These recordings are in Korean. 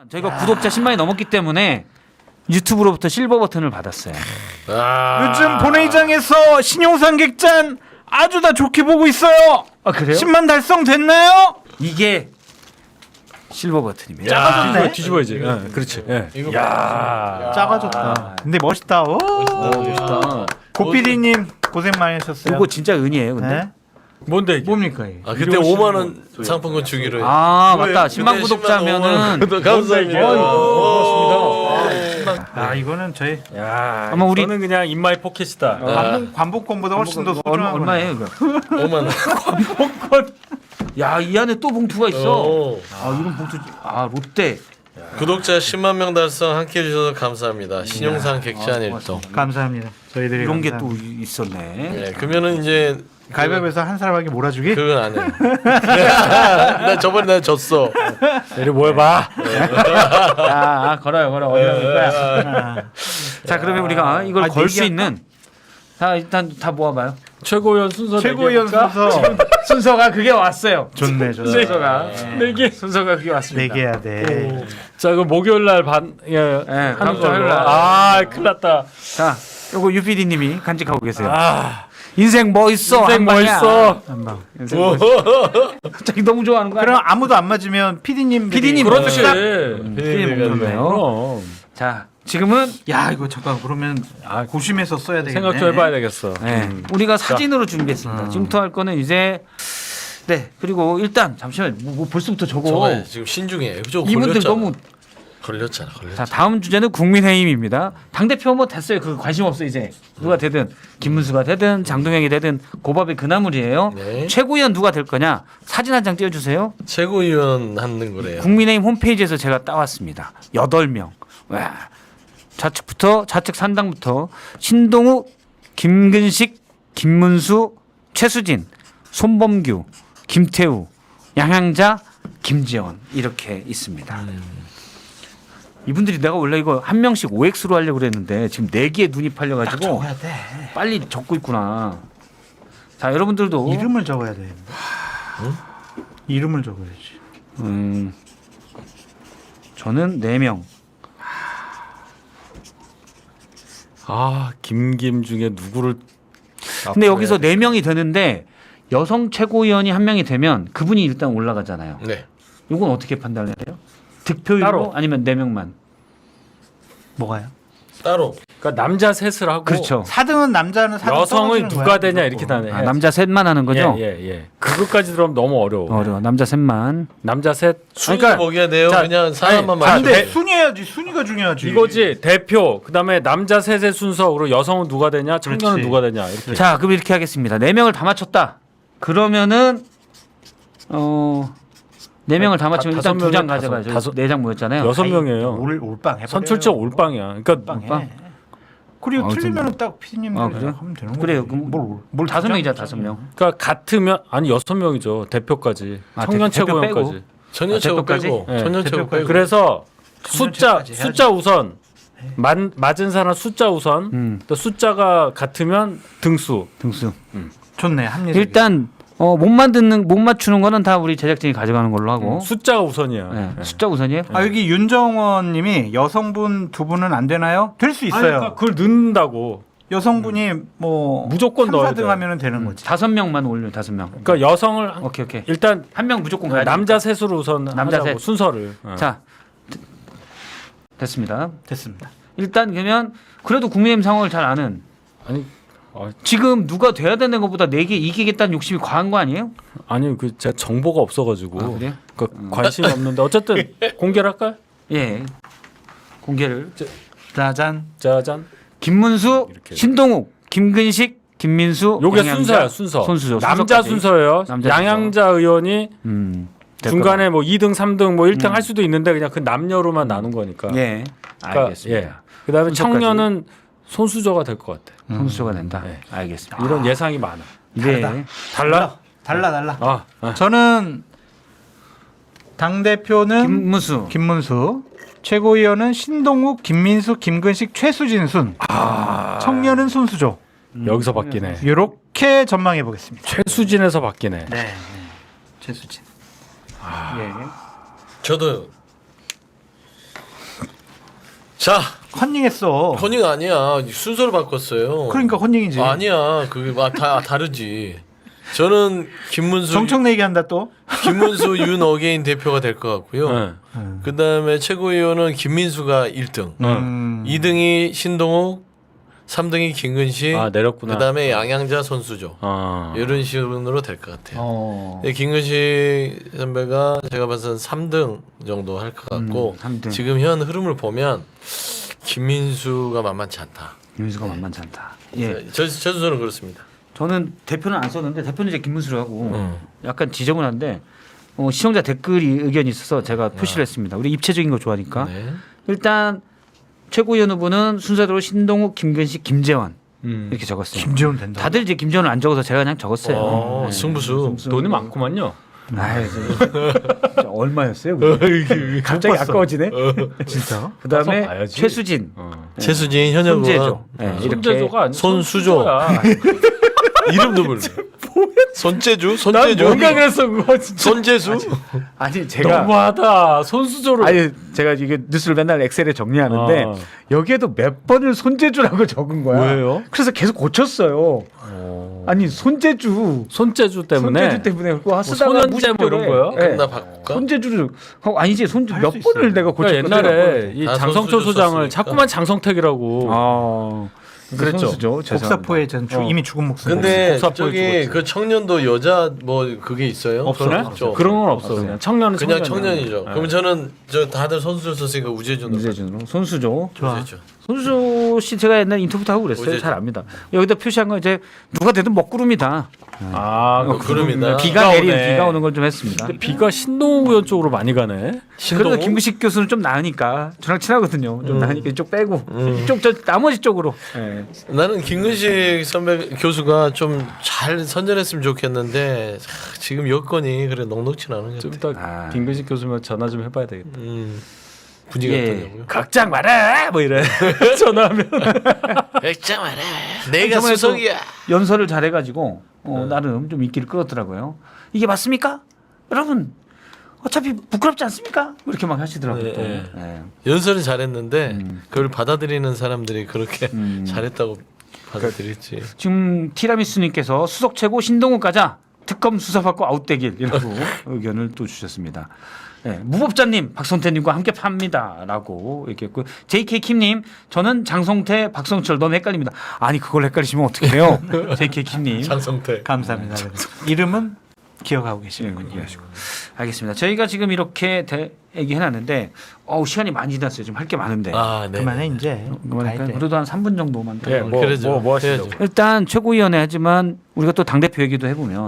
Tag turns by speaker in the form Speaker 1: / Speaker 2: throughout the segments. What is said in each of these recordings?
Speaker 1: 저희가 구독자 10만이 넘었기 때문에 유튜브로부터 실버 버튼을 받았어요.
Speaker 2: 요즘 본회의장에서 신용상 객잔 아주 다 좋게 보고 있어요.
Speaker 1: 아 그래요?
Speaker 2: 10만 달성됐나요?
Speaker 1: 이게 실버 버튼입니다.
Speaker 2: 작아졌네.
Speaker 3: 뒤집어야지. 그렇지. 야.
Speaker 2: 작아졌다. 근데 멋있다. 오.
Speaker 1: 멋있다.
Speaker 2: 고피디님 고생 많이 하셨어요.
Speaker 1: 이거 진짜 은이에요, 근데.
Speaker 2: 네?
Speaker 3: 뭔데 이게?
Speaker 2: 뭡니까 이게?
Speaker 4: 아 그때 5만 원 상품권 주기로 했.
Speaker 1: 아 맞다.
Speaker 4: 그때
Speaker 1: 10만 구독자면은
Speaker 4: 감사합니다.
Speaker 3: 고맙습니다.
Speaker 2: 아 이거는 저희
Speaker 3: 야.
Speaker 1: 아마 우리-
Speaker 3: 저는 그냥 인마이 포켓이다.
Speaker 2: 관복권보다 훨씬 더 소중한
Speaker 1: 얼마예요, 이거?
Speaker 4: 5만 원.
Speaker 1: 야, 이 안에 또 봉투가 있어.
Speaker 4: 오.
Speaker 1: 아, 이런 봉투. 아, 롯데.
Speaker 4: 구독자 10만 명 달성 함께 해주셔서 감사합니다. 신용상 객잔 일동.
Speaker 2: 감사합니다. 저희들이
Speaker 1: 이런 게 또
Speaker 2: 감사합니다.
Speaker 1: 있었네.
Speaker 4: 네, 그러면은 이제
Speaker 2: 가위바위보에서 한 사람에게 몰아주기?
Speaker 4: 그건 안 해. 나 저번에 나 졌어.
Speaker 3: 내리 모여봐.
Speaker 1: 아, 걸어요. 어디로 갈 거야? 자, 그러면 우리가 이걸 걸 수
Speaker 2: 내기할까?
Speaker 1: 있는 자, 일단 다 모아봐요.
Speaker 3: 최고위원 순서
Speaker 2: 최고위원
Speaker 3: 내기할까?
Speaker 2: 순서
Speaker 1: 순서가 그게 왔어요.
Speaker 2: 좋네.
Speaker 1: 순서가
Speaker 3: 내기.
Speaker 1: 순서가 그게 왔습니다.
Speaker 2: 내기 해야 돼.
Speaker 3: 자, 그럼 목요일 날 반
Speaker 1: 다음
Speaker 3: 하는
Speaker 1: 주
Speaker 3: 걸로.
Speaker 1: 화요일 날.
Speaker 3: 아, 큰일 났다.
Speaker 1: 자, 요거 UPD님이 간직하고 계세요.
Speaker 3: 아,
Speaker 1: 인생 뭐 있어?
Speaker 3: 인생
Speaker 1: 한
Speaker 3: 뭐
Speaker 1: 방이야.
Speaker 3: 있어?
Speaker 1: 한 방. 인생 뭐 있어? 갑자기 너무 좋아하는 거야.
Speaker 2: 그럼 아무도 안 맞으면 PD님
Speaker 3: 그렇지.
Speaker 1: 피디님
Speaker 3: 그럼.
Speaker 1: 자, 지금은
Speaker 2: 야 이거 잠깐 그러면 고심해서 써야 되겠네.
Speaker 3: 생각 좀 해봐야 되겠어.
Speaker 1: 네, 우리가 사진으로 준비했습니다. 지금부터 할 거는 이제 네 그리고 일단 잠시만 뭐 벌써부터 저거
Speaker 4: 저거 지금 신중해. 저거
Speaker 1: 이분들
Speaker 4: 걸렸잖아.
Speaker 1: 너무
Speaker 4: 걸렸잖아.
Speaker 1: 자 다음 주제는 국민의힘입니다. 당 대표 뭐 됐어요. 그 관심 없어 이제 누가 되든 김문수가 되든 장동영이 되든 고밥의 그나물이에요.
Speaker 4: 네.
Speaker 1: 최고위원 누가 될 거냐 사진 한 장 띄워주세요.
Speaker 4: 최고위원 하는 거래요.
Speaker 1: 국민의힘 홈페이지에서 제가 따왔습니다. 8명. 와. 좌측 3당부터 신동욱, 김근식, 김문수, 최수진, 손범규, 김태우, 양향자, 김재원 이렇게 있습니다. 이분들이 내가 원래 이거 한 명씩 OX로 하려고 그랬는데 지금 4개에 눈이 팔려가지고
Speaker 2: 적어야 돼.
Speaker 1: 빨리 적고 있구나. 자 여러분들도
Speaker 2: 이름을 적어야 돼. 이름을 적어야지.
Speaker 1: 저는 4명.
Speaker 3: 아, 김 중에 누구를
Speaker 1: 근데 여기서 4명이 되는데 여성 최고위원이 한 명이 되면 그분이 일단 올라가잖아요.
Speaker 4: 네.
Speaker 1: 이건 어떻게 판단해야 돼요? 득표율로
Speaker 3: 따로.
Speaker 1: 아니면 4명만?
Speaker 2: 뭐가요?
Speaker 4: 따로.
Speaker 3: 그러니까 남자 셋을 하고
Speaker 1: 그렇죠.
Speaker 2: 4등은 남자는 4등
Speaker 3: 여성은 누가 되냐 이렇게 다네.
Speaker 1: 아, 남자 셋만 하는 거죠?
Speaker 3: 예. 그것까지 들어오면 너무 어려워.
Speaker 1: 어려워. 남자 셋만.
Speaker 3: 남자 셋.
Speaker 4: 순위
Speaker 1: 그러니까-
Speaker 4: 먹여야 돼요.
Speaker 3: 자,
Speaker 4: 그냥 사람만
Speaker 3: 아니,
Speaker 4: 맞춰.
Speaker 3: 대-
Speaker 2: 순위해야지. 순위가 중요하지.
Speaker 3: 이거지 대표. 그다음에 남자 셋의 순서로 여성은 누가 되냐, 청년은
Speaker 2: 그렇지.
Speaker 3: 누가 되냐 이렇게.
Speaker 1: 자, 그럼 이렇게 하겠습니다. 4명을 다 맞췄다. 그러면은 4명을 다 맞추면 일단 2장 가져가요.
Speaker 3: 다섯-
Speaker 1: 4장 모였잖아요.
Speaker 3: 6명이에요.
Speaker 2: 올빵 해버려요.
Speaker 3: 선출적 올빵이야. 그러니까
Speaker 2: 올빵. 그리고 틀리면은 딱 PD님들
Speaker 1: 아, 그래요?
Speaker 2: 하면 되는 거예요.
Speaker 1: 그래요. 그럼 뭘 5명이자 5명.
Speaker 3: 그러니까 같으면 아니 6명이죠. 대표까지.
Speaker 1: 아,
Speaker 3: 청년
Speaker 1: 대표
Speaker 3: 최고위원까지.
Speaker 4: 전년 최고
Speaker 1: 대표까지?
Speaker 4: 빼고.
Speaker 3: 네.
Speaker 4: 전년 최고
Speaker 2: 대표까지.
Speaker 4: 빼고.
Speaker 3: 그래서
Speaker 2: 청년체까지 해야지.
Speaker 3: 숫자 우선. 맞은 사람 숫자 우선. 또 숫자가 같으면 등수.
Speaker 1: 등수.
Speaker 2: 좋네. 합리적.
Speaker 1: 일단 못 맞추는 거는 다 우리 제작진이 가져가는 걸로 하고.
Speaker 3: 숫자가 우선이야.
Speaker 1: 네.
Speaker 3: 네.
Speaker 1: 숫자 우선이에요?
Speaker 2: 여기 윤정원님이 여성분 2분은 안 되나요? 될 수
Speaker 3: 아니,
Speaker 2: 있어요.
Speaker 3: 그러니까 그걸 넣는다고.
Speaker 2: 여성분이 뭐
Speaker 3: 무조건
Speaker 2: 3,
Speaker 3: 넣어야
Speaker 2: 4등
Speaker 3: 돼.
Speaker 2: 하면은 되는 거지.
Speaker 1: 5명만 올려 5명.
Speaker 3: 그러니까 여성을
Speaker 1: 오케이.
Speaker 3: 일단
Speaker 1: 한 명 무조건 가야 돼.
Speaker 3: 남자 셋으로 우선
Speaker 1: 남자
Speaker 3: 하자고,
Speaker 1: 셋.
Speaker 3: 순서를.
Speaker 1: 자 됐습니다.
Speaker 2: 됐습니다.
Speaker 1: 일단 그러면 그래도 국민의힘 상황을 잘 아는
Speaker 3: 아니
Speaker 1: 지금 누가 돼야 되는 것보다 4개 이기겠다는 욕심이 과한 거 아니에요?
Speaker 3: 아니 그 제가 정보가 없어가지고
Speaker 1: 아, 그래요?
Speaker 3: 관심이 없는데 어쨌든 공개를 할까요?
Speaker 1: 예. 공개를.
Speaker 2: 짜잔.
Speaker 3: 짜잔.
Speaker 1: 김문수,
Speaker 3: 이렇게.
Speaker 1: 신동욱, 김근식, 김민수.
Speaker 3: 요게
Speaker 1: 양양자.
Speaker 3: 순서야 순서.
Speaker 1: 순수죠.
Speaker 3: 남자
Speaker 1: 순서까지.
Speaker 3: 순서예요.
Speaker 1: 남자
Speaker 3: 양양자 의원이
Speaker 1: 될
Speaker 3: 중간에 뭐 2등, 3등 뭐 1등 할 수도 있는데 그냥 그 남녀로만 나눈 거니까.
Speaker 1: 거다. 예.
Speaker 3: 그러니까,
Speaker 1: 알겠습니다.
Speaker 3: 예. 그다음에
Speaker 1: 순서까지.
Speaker 3: 청년은 손수저가 될 것 같아.
Speaker 1: 선수가 된다.
Speaker 3: 네.
Speaker 1: 알겠습니다.
Speaker 3: 이런 예상이 많아.
Speaker 1: 네.
Speaker 3: 달라?
Speaker 2: 달라.
Speaker 3: 아.
Speaker 2: 저는 당 대표는
Speaker 1: 김문수.
Speaker 2: 김문수, 최고위원은 신동욱, 김민수, 김근식, 최수진 순. 청년은 손수조.
Speaker 3: 여기서 바뀌네.
Speaker 2: 이렇게 전망해 보겠습니다.
Speaker 3: 최수진에서 바뀌네.
Speaker 2: 네. 최수진.
Speaker 1: 예.
Speaker 4: 저도 자,
Speaker 2: 컨닝했어.
Speaker 4: 컨닝 아니야. 순서를 바꿨어요.
Speaker 2: 그러니까 컨닝이지.
Speaker 4: 아니야. 그게 다 다르지. 저는
Speaker 2: 정청래 얘기한다 또.
Speaker 4: 김문수 윤어게인 대표가 될 것 같고요.
Speaker 3: 네.
Speaker 4: 그다음에 최고위원은 김민수가 1등. 2등이 신동욱, 3등이 김근식.
Speaker 3: 아 내렸구나.
Speaker 4: 그다음에 양양자 선수죠.
Speaker 3: 아.
Speaker 4: 이런 식으로 될 것 같아요. 근데 김근식 선배가 제가 봐서는 3등 정도 할 것 같고
Speaker 1: 3등.
Speaker 4: 지금 현 흐름을 보면 김민수가 만만치 않다.
Speaker 1: 김문수가 만만치 않다. 예.
Speaker 4: 저 순서는 그렇습니다.
Speaker 1: 저는 대표는 안 썼는데 대표는 이제 김문수로 하고 약간 지저분한데 시청자 댓글이 의견이 있어서 제가 표시를 했습니다. 우리 입체적인 거 좋아하니까.
Speaker 4: 네.
Speaker 1: 일단 최고위원 후보는 순서대로 신동욱, 김근식, 김재환 이렇게 적었어요.
Speaker 2: 김재원 된다.
Speaker 1: 다들 이제 김재환을 안 적어서 제가 그냥 적었어요. 네.
Speaker 4: 승부수.
Speaker 3: 돈이 많구만요.
Speaker 1: 아이, 진짜 얼마였어요? 그게? 갑자기 아까워지네.
Speaker 2: 진짜.
Speaker 1: 그다음에
Speaker 3: 가서 봐야지.
Speaker 1: 최수진,
Speaker 4: 최수진 현역 의원.
Speaker 1: 손재조. 네, 이렇게
Speaker 3: 손재조가 아니
Speaker 4: 손수조. 이름도 몰라. 손재주? 손재주?
Speaker 3: 뭔가 그랬어 그거 진짜.
Speaker 4: 손재수?
Speaker 1: 아니 제가
Speaker 3: 너무하다. 손수조를.
Speaker 1: 아니 제가 이게 뉴스를 맨날 엑셀에 정리하는데
Speaker 3: 아.
Speaker 1: 여기에도 몇 번을 손재주라고 적은 거야.
Speaker 3: 왜요?
Speaker 1: 그래서 계속 고쳤어요. 아니 손재주
Speaker 3: 손재주 때문에.
Speaker 1: 손재주 때문에 그거 쓰다가
Speaker 3: 손현재 뭐 이런 거요?
Speaker 1: 네.
Speaker 4: 그럼 나 바꿀까?
Speaker 1: 손재주를 아니지 손 몇
Speaker 2: 수
Speaker 1: 번을
Speaker 2: 있어요.
Speaker 1: 내가 고쳤거든.
Speaker 3: 그러니까 옛날에 이
Speaker 4: 다
Speaker 3: 장성철
Speaker 4: 손수조
Speaker 3: 소장을
Speaker 4: 썼으니까.
Speaker 3: 자꾸만 장성택이라고.
Speaker 1: 아
Speaker 3: 그랬죠.
Speaker 1: 선수죠.
Speaker 2: 복사포에 전 이미 죽은 목숨.
Speaker 4: 근데
Speaker 3: 복사포에
Speaker 4: 저기
Speaker 3: 죽었지.
Speaker 4: 그 청년도 여자 뭐 그게 있어요?
Speaker 3: 없어요?
Speaker 4: 그런 거 없죠.
Speaker 3: 그런 건 없어. 그냥 청년은
Speaker 4: 그냥
Speaker 3: 청년이야.
Speaker 4: 청년이죠.
Speaker 3: 네.
Speaker 4: 그럼 저는 저 다들 선수를 썼으니까 우재준으로.
Speaker 1: 우재준으로 손수조.
Speaker 2: 좋아.
Speaker 4: 우재준.
Speaker 1: 손수조 씨 제가 옛날 인터뷰도 하고 그랬어요.
Speaker 4: 우재준.
Speaker 1: 잘 압니다. 여기다 표시한 건 이제 누가 되든 먹구름이다.
Speaker 3: 아, 그
Speaker 4: 구름이다.
Speaker 1: 비가 내리는
Speaker 3: 오네.
Speaker 1: 비가 오는 걸 좀 했습니다.
Speaker 3: 근데 비가 신동욱 의원 쪽으로 많이 가네.
Speaker 1: 그래도
Speaker 4: 신동욱?
Speaker 1: 김구식 교수는 좀 나으니까 저랑 친하거든요. 좀 나으니까 이쪽 빼고 이쪽 저 나머지 쪽으로. 예.
Speaker 4: 나는 김근식 선배 교수가 좀 잘 선전했으면 좋겠는데 지금 여건이 그래 녹록치 않은 것
Speaker 3: 좀
Speaker 4: 같아.
Speaker 3: 이따 김근식 교수면 전화 좀 해봐야 되겠다.
Speaker 4: 분위기가
Speaker 1: 예.
Speaker 4: 어떠냐고요?
Speaker 1: 걱정 마라 뭐 이래.
Speaker 3: 전화하면.
Speaker 4: 걱정 마라. 내가
Speaker 1: 저번에 또
Speaker 4: 수석이야.
Speaker 1: 연설을 잘해가지고 나름 좀 인기를 끌었더라고요. 이게 맞습니까? 여러분 어차피 부끄럽지 않습니까? 이렇게 막 하시더라고요.
Speaker 4: 네,
Speaker 1: 또.
Speaker 4: 네.
Speaker 1: 예.
Speaker 4: 연설은 잘했는데 그걸 받아들이는 사람들이 그렇게
Speaker 1: 음.
Speaker 4: 잘했다고 받아들였지.
Speaker 1: 지금 티라미수님께서 수석 최고 신동욱 가자 특검 수사받고 아웃되길이라고 의견을 또 주셨습니다. 네, 무법자님 박성태님과 함께 팝니다라고 얘기했고 JK 킴님 저는 장성태 박성철 너무 헷갈립니다. 아니 그걸 헷갈리시면 어떻게 해요? JK 킴님
Speaker 4: 장성태.
Speaker 2: 감사합니다. 이름은 기억하고 계시는군요.
Speaker 1: 이해하시고 알겠습니다. 저희가 지금 이렇게 얘기해놨는데 시간이 많이 지났어요. 지금 할 게 많은데
Speaker 4: 아, 네.
Speaker 2: 그만해 이제.
Speaker 1: 그러니까
Speaker 2: 가야 돼.
Speaker 1: 그래도 한 3분 정도만 더.
Speaker 3: 예,
Speaker 4: 그러죠.
Speaker 3: 뭐 하시죠?
Speaker 4: 해야죠.
Speaker 1: 일단 최고위원회 하지만 우리가 또 당대표 얘기도 해보면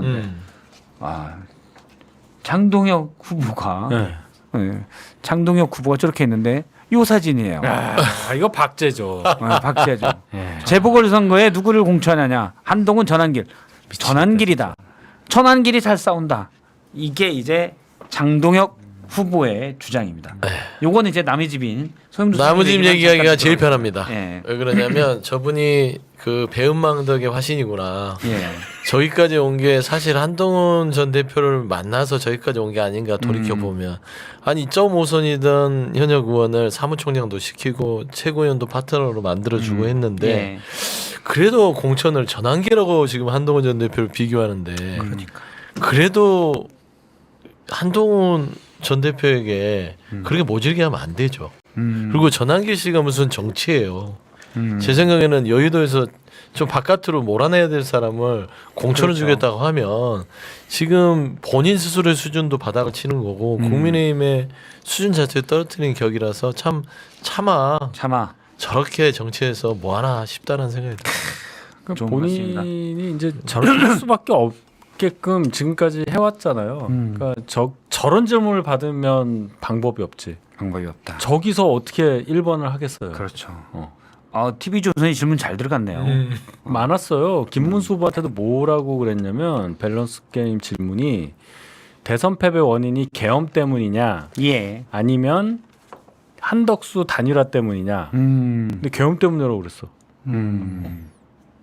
Speaker 1: 장동혁 후보가
Speaker 3: 네.
Speaker 1: 네, 장동혁 후보가 저렇게 했는데 요 사진이에요.
Speaker 3: 아, 이거 박제죠.
Speaker 1: 박제죠.
Speaker 3: 예.
Speaker 1: 재보궐선거에 누구를 공천하냐? 한동훈 전환길. 전환길이다. 전환길이 잘 싸운다. 이게 이제 장동혁 후보의 주장입니다. 요거는 이제 남의 집인 소영주
Speaker 4: 나무집
Speaker 1: 선생님
Speaker 4: 얘기하기가
Speaker 1: 잠깐
Speaker 4: 제일
Speaker 1: 들어요.
Speaker 4: 편합니다.
Speaker 1: 예.
Speaker 4: 왜 그러냐면 저분이 그 배은망덕의 화신이구나.
Speaker 1: 예.
Speaker 4: 저기까지 온 게 사실 한동훈 전 대표를 만나서 저기까지 온 게 아닌가 돌이켜 보면 아니 2.5선이던 현역 의원을 사무총장도 시키고 최고위원도 파트너로 만들어주고 했는데
Speaker 1: 예.
Speaker 4: 그래도 공천을 전환기라고 지금 한동훈 전 대표를 비교하는데 그래도 한동훈 전 대표에게 그렇게 모질게 하면 안 되죠. 그리고 전환기 씨가 무슨 정치예요. 제 생각에는 여의도에서 좀 바깥으로 몰아내야 될 사람을 공천을 주겠다고 하면 지금 본인 스스로의 수준도 바닥을 치는 거고 국민의힘의 수준 자체를 떨어뜨리는 격이라서 차마 저렇게 정치해서 뭐 하나 싶다는 생각이 들어요.
Speaker 3: 그러니까
Speaker 1: 좋은
Speaker 3: 본인이 이제 저렇게 할 수밖에 없게끔 지금까지 해왔잖아요. 그러니까 저런 질문을 받으면 방법이 없지.
Speaker 1: 방법이 없다.
Speaker 3: 저기서 어떻게 1번을 하겠어요.
Speaker 1: 그렇죠. TV 조선이 질문 잘 들어갔네요.
Speaker 3: 많았어요. 김문수 후보한테도 뭐라고 그랬냐면 밸런스 게임 질문이 대선 패배 원인이 계엄 때문이냐
Speaker 1: 예.
Speaker 3: 아니면 한덕수 단일화 때문이냐. 근데 계엄 때문이라고 그랬어.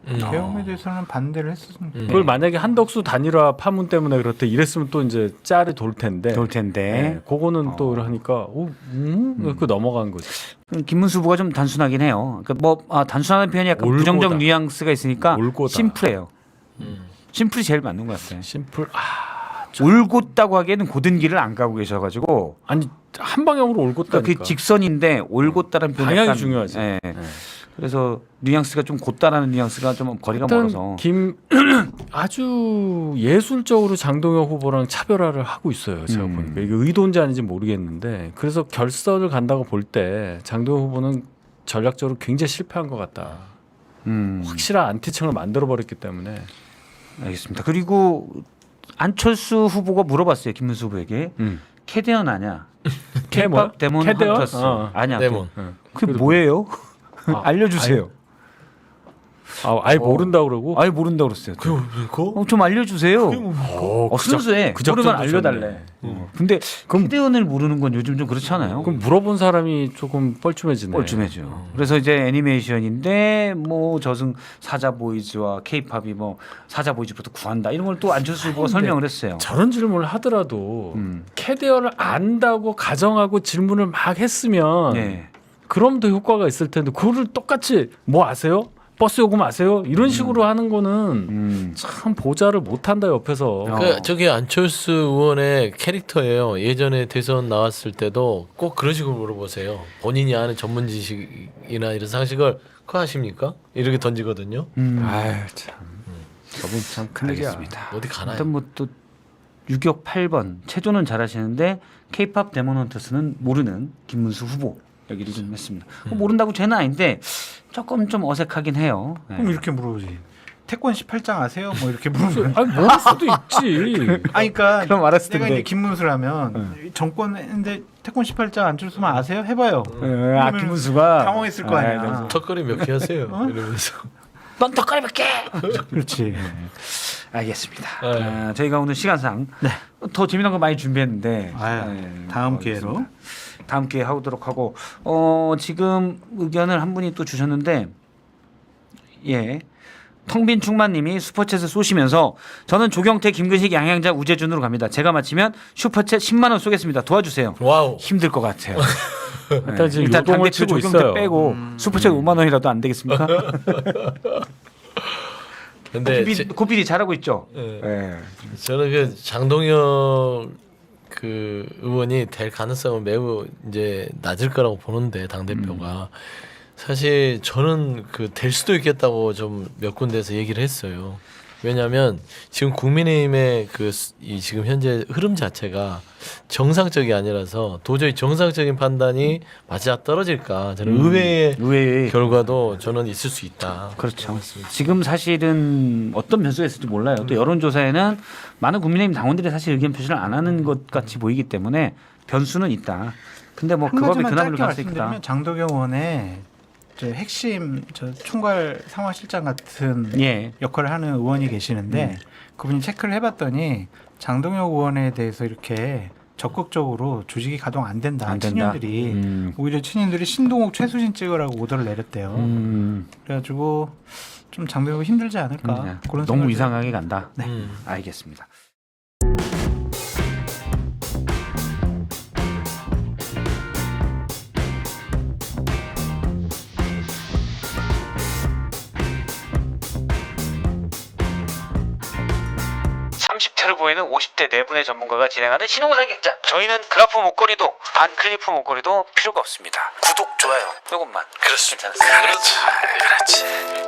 Speaker 2: 계엄에 대해서는 반대를 했었습니다.
Speaker 3: 그걸 만약에 한덕수 단일화 파문 때문에 그렇대 이랬으면 또 이제 짤이 돌 텐데.
Speaker 1: 좋을 텐데.
Speaker 3: 네, 그거는 또 하니까 그 넘어간 거지.
Speaker 1: 김문수 후보가 좀 단순하긴 해요. 그러니까 단순한 표현이 약간
Speaker 3: 올고다.
Speaker 1: 부정적 뉘앙스가 있으니까
Speaker 3: 올고다.
Speaker 1: 심플해요. 심플이 제일 맞는 것 같아요.
Speaker 3: 심플.
Speaker 1: 올곧다고 하기에는 고든 길을 안 가고 계셔가지고
Speaker 3: 아니 한 방향으로 올곧다니까.
Speaker 1: 그러니까 그 직선인데 올곧다는 표현이
Speaker 3: 방향이
Speaker 1: 약간,
Speaker 3: 중요하지.
Speaker 1: 예. 그래서 뉘앙스가 좀 곧다라는 뉘앙스가 좀 거리가 멀어서.
Speaker 3: 아주 예술적으로 장동혁 후보랑 차별화를 하고 있어요. 제가 보니까 이게 의도인지 아닌지 모르겠는데 그래서 결선을 간다고 볼 때 장동혁 후보는 전략적으로 굉장히 실패한 것 같다. 확실한 안티층을 만들어 버렸기 때문에.
Speaker 1: 알겠습니다. 그리고 안철수 후보가 물어봤어요. 김문수 후보에게 캐대언 아냐? K-pop 데몬
Speaker 3: 캐대언?
Speaker 1: 헌터스 아냐?
Speaker 4: 데몬.
Speaker 1: 그게 뭐예요? 알려주세요.
Speaker 3: 아예 모른다 그러고.
Speaker 1: 아예 모른다고 그랬어요.
Speaker 4: 그거?
Speaker 1: 좀 알려주세요. 순수해.
Speaker 3: 그 작전도
Speaker 1: 모르면 알려달래.
Speaker 3: 좋네.
Speaker 1: 근데 캐대언을 모르는 건 요즘 좀 그렇지 않아요?
Speaker 3: 그럼 물어본 사람이 조금 뻘쭘해지네.
Speaker 1: 뻘쭘해져. 그래서 이제 애니메이션인데 뭐 저승 사자 보이즈와 K-팝이 뭐 사자 보이즈부터 구한다 이런 걸 또 안철수 후보가 설명을 했어요.
Speaker 3: 저런 질문을 하더라도 캐리어를 안다고 가정하고 질문을 막 했으면
Speaker 1: 네.
Speaker 3: 그럼 더 효과가 있을 텐데 그거를 똑같이 뭐 아세요? 버스 요금 아세요? 이런 식으로 하는 거는 참 보좌를 못한다 옆에서.
Speaker 4: 저게 안철수 의원의 캐릭터예요. 예전에 대선 나왔을 때도 꼭 그런 식으로 물어보세요. 본인이 아는 전문 지식이나 이런 상식을 그거 아십니까? 이렇게 던지거든요.
Speaker 3: 아유 참. 저분 참 큰일이야.
Speaker 1: 알겠습니다.
Speaker 4: 어디 가나요?
Speaker 1: 일단 뭐또 유격 8번 체조는 잘하시는데 K-팝 데몬 헌터스는 모르는 김문수 후보 얘기를 좀 했습니다. 모른다고 죄는 아닌데 조금 좀 어색하긴 해요. 네.
Speaker 2: 그럼 이렇게 물어보지. 태권 18장 아세요? 뭐 이렇게 물으면.
Speaker 3: 아니 모를 수도 있지.
Speaker 2: 아니 그러니까
Speaker 1: 그럼 알았을
Speaker 2: 내가
Speaker 1: 텐데.
Speaker 2: 이제 김문수라면 정권 했는데 태권 18장 안철수만 아세요? 해봐요.
Speaker 1: 김문수가
Speaker 2: 당황했을 거 아니야.
Speaker 4: 턱걸이 몇 개 하세요? 이러면서.
Speaker 1: 넌 덕거리 몇 개.
Speaker 2: 그렇지.
Speaker 1: 알겠습니다. 저희가 오늘 시간상 더 재미난 거 많이 준비했는데
Speaker 2: 다음 기회로.
Speaker 1: 다음 기회에 하도록 하고 지금 의견을 한 분이 또 주셨는데 텅빈 충만님이 슈퍼챗을 쏘시면서 저는 조경태, 김근식, 양양자, 우재준으로 갑니다. 제가 마치면 슈퍼챗 10만 원 쏘겠습니다. 도와주세요.
Speaker 4: 와우.
Speaker 1: 힘들 것 같아요.
Speaker 3: 일단 지금
Speaker 1: 일단
Speaker 3: 요동을
Speaker 1: 당대표
Speaker 3: 치고
Speaker 1: 조경태
Speaker 3: 있어요.
Speaker 1: 빼고 슈퍼챗 5만 원이라도 안 되겠습니까?
Speaker 4: 근데
Speaker 1: 고필이 잘하고 있죠.
Speaker 4: 저는 그 장동혁 그 의원이 될 가능성은 매우 이제 낮을 거라고 보는데 당 대표가 사실 저는 그 될 수도 있겠다고 좀 몇 군데에서 얘기를 했어요. 왜냐하면 지금 국민의힘의 이 지금 현재 흐름 자체가 정상적이 아니라서 도저히 정상적인 판단이 맞아 떨어질까 저는 의외의 결과도 저는 있을 수 있다.
Speaker 1: 그렇죠. 지금 사실은 어떤 변수가 있을지 몰라요. 또 여론조사에는 많은 국민의힘 당원들이 사실 의견 표시를 안 하는 것 같이 보이기 때문에 변수는 있다. 근데 뭐 그 법에 그나물로 갈 수 있다.
Speaker 2: 말씀드리면 장도경 의원의 저 핵심 총괄 상황실장 같은 역할을 하는 의원이 계시는데 그분이 체크를 해봤더니 장동혁 의원에 대해서 이렇게 적극적으로 조직이 가동 안 된다. 친윤들이 오히려 친윤들이 신동욱 최수진 찍으라고 오더를 내렸대요. 그래가지고 좀 장동혁이 힘들지 않을까. 그런
Speaker 1: 너무 이상하게 간다.
Speaker 2: 네.
Speaker 1: 알겠습니다. 를 보이는 50대 4분의 전문가가 진행하는 신용사 객잔. 저희는 그래프 목걸이도 반클리프 목걸이도 필요가 없습니다. 구독, 좋아요 이것만. 그렇습니다. 그렇지.